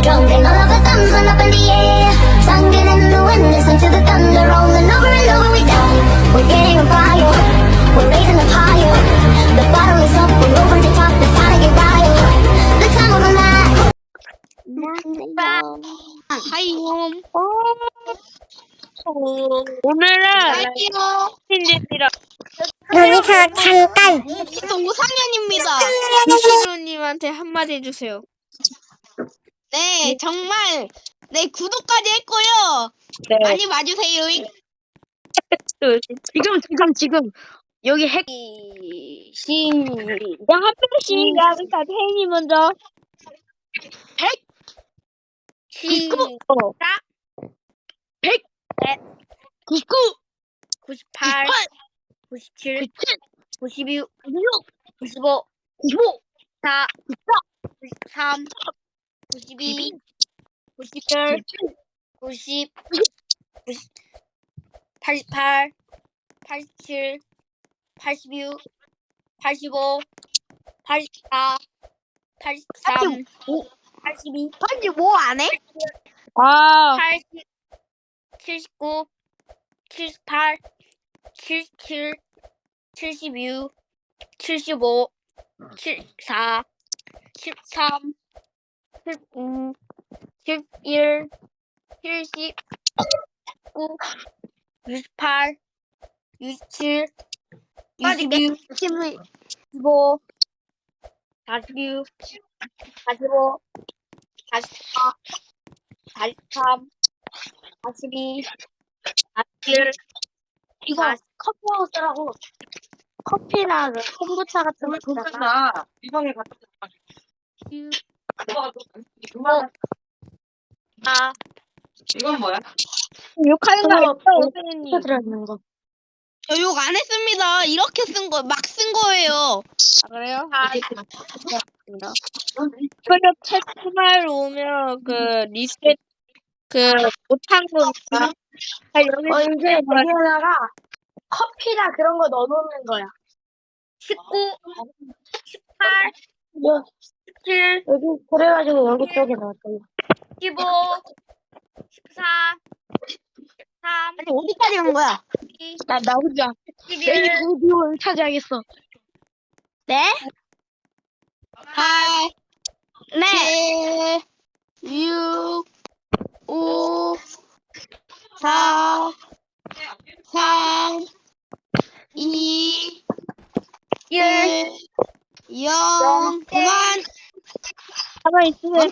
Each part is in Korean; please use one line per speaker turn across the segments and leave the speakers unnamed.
drunk and all of our thumbs went up in the air. Singing in the wind, listen to the thunder rolling over and over. We down, we're getting on fire, we're raising up higher. The bottle is up, we're over the top, it's time to get wild. The time of our life.
하이홈.
오늘은
하이요.
신입니다.
여기서 잠깐.
저 5학년입니다.
이시로님한테 한마디 해주세요.
네, 정말 네 구독까지 했고요.
네.
많이 봐주세요.
지금 여기 핵 시작 한 명씩 나부터 태인이 먼저.
100,
시작
100, 99,
98 97 92 95
95,
4 93 92 97 90 88 87 86 85 84 83 82
85 안 해?
80 79 78 77 76 75 74 13 15 11 70 19 68 67 22 25 46 45 44 43 42 41
이거 커피하고 쓰라고. 커피랑 콤부차 같은 거 있잖아.
이방에 갔다
아,
이건 뭐야?
욕하는 거 아니죠, 선생님?
들어있는 거. 저 욕 안 했습니다. 이렇게 쓴 거, 막 쓴 거예요.
아, 그래요? 그리고 채팅을 오면 리셋 못한 거니까.
이제 여기에다가 커피나 그런 거 넣어놓는 거야.
19, 18, 17,
여기 그래가지고 여기 쪽에 넣었어요.
15, 14, 13,
아니 어디까지 간 거야?
12,
나 혼자
11,
그 비용을 차지하겠어. 네? 8, 네, 6, 5, 4, 3, 2, 1, 0, 그만.
가만히 있으세요.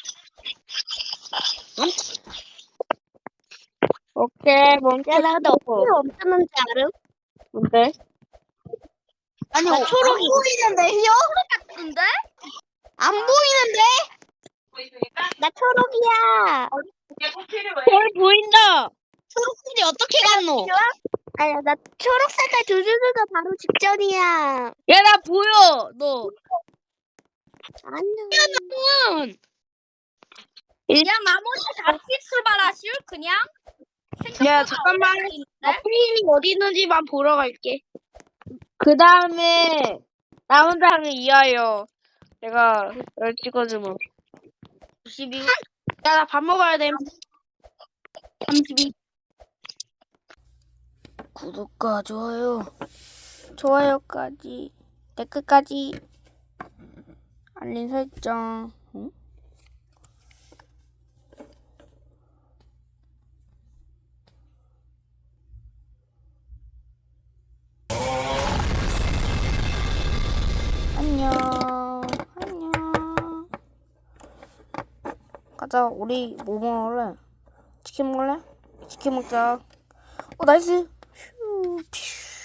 오케이, 멈춰.
야, 나 근데 어떻게 멈췄는지 알음?
뭔데?
아니, 초록이. 안 보이는데, 혀?
근데?
안 보이는데? 나 초록이야.
별 보인다!
초록색이 어떻게 갔노? 아니야, 나 초록 색깔 조준수가 바로 직전이야.
야, 나 보여! 너.
안녕.
그냥 나머지 다 출발하실? 그냥?
야, 잠깐만. 페인이 어디 있는지만 보러 갈게.
그 다음에, 남은 사람을 이하여. 내가 널 찍어주면. 92,
야, 나 밥 먹어야 돼.
32. 구독과 좋아요. 좋아요까지. 댓글까지. 알림 설정. 응? 안녕. 가자. 우리 뭐 먹을래? 치킨 먹을래? 치킨 먹자. 나이스. 휴.